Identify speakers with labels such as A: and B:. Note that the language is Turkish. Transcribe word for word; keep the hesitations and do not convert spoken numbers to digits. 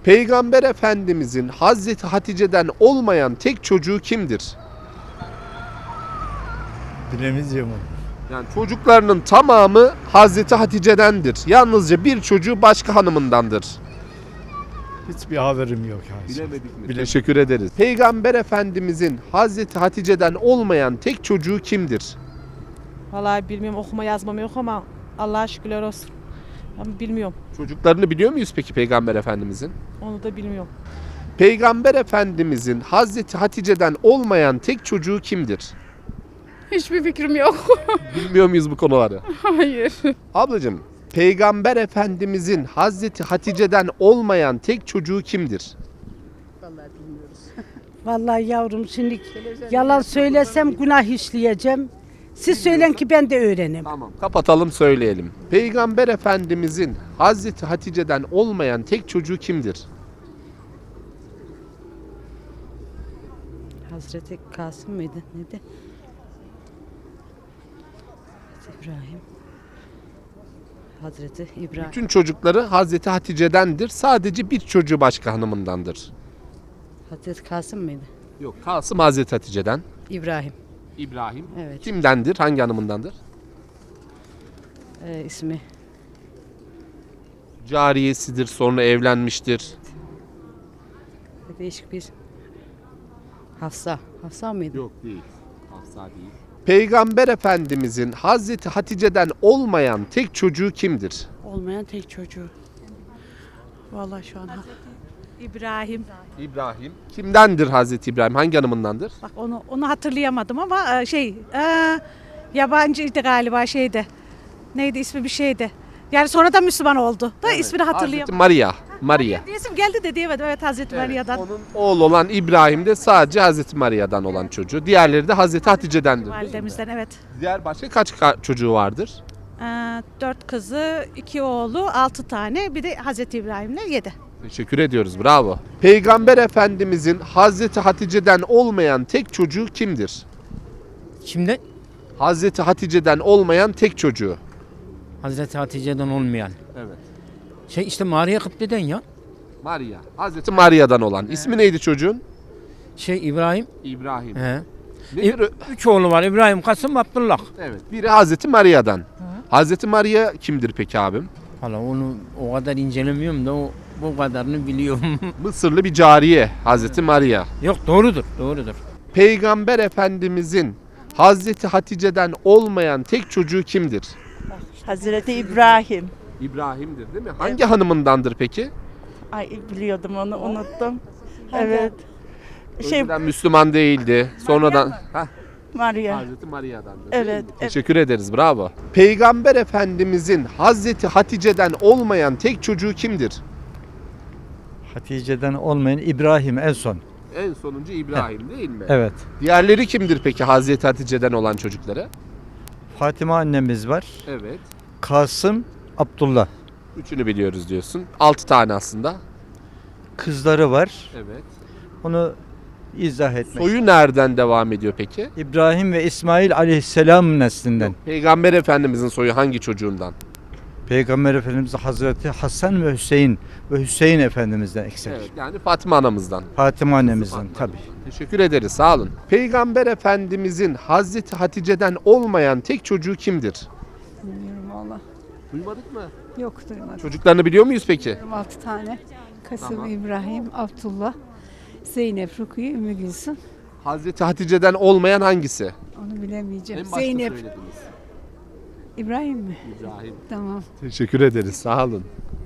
A: Peygamber Efendimizin Hazreti Hatice'den olmayan tek çocuğu kimdir?
B: Bilemeyeceğim onu.
A: Yani çocuklarının tamamı Hazreti Hatice'dendir. Yalnızca bir çocuğu başka hanımındandır.
B: Hiçbir haberim yok. Yani.
A: Bilemedik mi?
B: Bile-
A: Teşekkür ederiz. Peygamber Efendimizin Hazreti Hatice'den olmayan tek çocuğu kimdir?
C: Vallahi bilmiyorum, okuma yazmam yok ama Allah'a şükürler olsun. Ben bilmiyorum.
A: Çocuklarını biliyor muyuz peki Peygamber Efendimizin?
C: Onu da bilmiyorum.
A: Peygamber Efendimizin Hazreti Hatice'den olmayan tek çocuğu kimdir?
D: Hiçbir fikrim yok.
A: Bilmiyor muyuz bu konuları?
D: Hayır.
A: Ablacığım, Peygamber Efendimizin Hazreti Hatice'den olmayan tek çocuğu kimdir?
E: Vallahi yavrum şimdi yalan söylesem günah işleyeceğim. Siz söyleyin ki ben de öğrenim.
A: Tamam. Kapatalım söyleyelim. Peygamber Efendimizin Hazreti Hatice'den olmayan tek çocuğu kimdir?
E: Hazreti Kasım mıydı? Neydi? İbrahim. Hazreti İbrahim.
A: Bütün çocukları Hazreti Hatice'dendir. Sadece bir çocuğu başka hanımındandır.
E: Hazreti Kasım mıydı?
A: Yok. Kasım Hazreti Hatice'den.
E: İbrahim.
A: İbrahim.
E: Evet.
A: Kimdendir? Hangi hanımındandır?
E: Ee, ismi.
A: Cariyesidir. Sonra evlenmiştir.
E: Değişik bir Hafsa. Hafsa mıydı?
A: Yok değil. Hafsa değil. Peygamber Efendimizin Hazreti Hatice'den olmayan tek çocuğu kimdir?
F: Olmayan tek çocuğu. Vallahi şu an
C: İbrahim.
A: İbrahim. Kimdendir Hazreti İbrahim? Hangi hanımındandır?
C: Bak onu onu hatırlayamadım ama e, şey e, yabancıydı galiba şeydi. Neydi ismi bir şeydi. Yani sonradan Müslüman oldu. Da ismini
A: Hazreti
C: hatırlayamadım.
A: Maria. Maria.
C: İsim geldi de diyemedim. Evet, Hazreti Maria'dan.
A: Onun oğlu olan İbrahim de sadece Hazreti Maria'dan olan çocuğu. Diğerleri de Hazreti Hatice'dendir.
C: Validemizden, evet.
A: Diğer başka kaç ka- çocuğu vardır?
C: E, dört kızı, iki oğlu, altı tane. Bir de Hazreti İbrahim'le yedi.
A: Teşekkür ediyoruz. Bravo. Peygamber Efendimizin Hazreti Hatice'den olmayan tek çocuğu kimdir?
G: Şimdi
A: Hazreti Hatice'den olmayan tek çocuğu.
G: Hazreti Hatice'den olmayan.
A: Evet.
G: Şey işte Maria Kıpte'den ya.
A: Maria. Hazreti Maria'dan olan. İsmi neydi çocuğun?
G: Şey İbrahim.
A: İbrahim.
G: He.
A: Nedir o-
G: Üç oğlu var. İbrahim, Kasım, Abdullah.
A: Evet. Biri Hazreti Maria'dan. Hazreti Maria kimdir peki abim?
G: Hala onu o kadar incelemiyorum da o bu kadarını biliyorum.
A: Mısırlı bir cariye Hazreti Maria.
G: Yok doğrudur. Doğrudur.
A: Peygamber Efendimizin Hazreti Hatice'den olmayan tek çocuğu kimdir?
F: Hazreti İbrahim.
A: İbrahim'dir değil mi? Hangi hanımındandır peki?
F: Ay biliyordum onu unuttum. Evet. Şey
A: Önceden Müslüman değildi. Sonradan Heh,
F: Maria.
A: Hazreti Maria'dandır.
F: Evet,
A: değil mi?
F: evet.
A: Teşekkür ederiz. Bravo. Peygamber Efendimizin Hazreti Hatice'den olmayan tek çocuğu kimdir?
B: Hatice'den olmayan İbrahim en son.
A: En sonuncu İbrahim değil mi?
B: Evet.
A: Diğerleri kimdir peki Hazreti Hatice'den olan çocukları?
B: Fatıma annemiz var.
A: Evet.
B: Kasım, Abdullah.
A: Üçünü biliyoruz diyorsun. Altı tane aslında.
B: Kızları var.
A: Evet.
B: Onu izah etmek.
A: Soyu nereden devam ediyor peki?
B: İbrahim ve İsmail aleyhisselam neslinden.
A: Peygamber Efendimizin soyu hangi çocuğundan?
B: Peygamber Efendimiz Hazreti Hasan ve Hüseyin ve Hüseyin Efendimizden eksik.
A: Evet, yani Fatıma anamızdan.
B: Fatıma annemizden tabii.
A: Teşekkür ederiz, sağ olun. Peygamber Efendimizin Hazreti Hatice'den olmayan tek çocuğu kimdir?
H: Bilmiyorum valla.
A: Duymadık mı?
H: Yok duymadım.
A: Çocuklarını biliyor muyuz peki?
H: Altı tane. Kasım,
A: Tamam.
H: İbrahim, Abdullah, Zeynep, Rukiye, Ümmü Gülsüm.
A: Hazreti Hatice'den olmayan hangisi?
H: Onu bilemeyeceğim.
A: En başta
H: Zeynep.
A: söylediniz.
H: İbrahim mi?
A: İbrahim.
H: Tamam.
A: Teşekkür ederiz, sağ olun.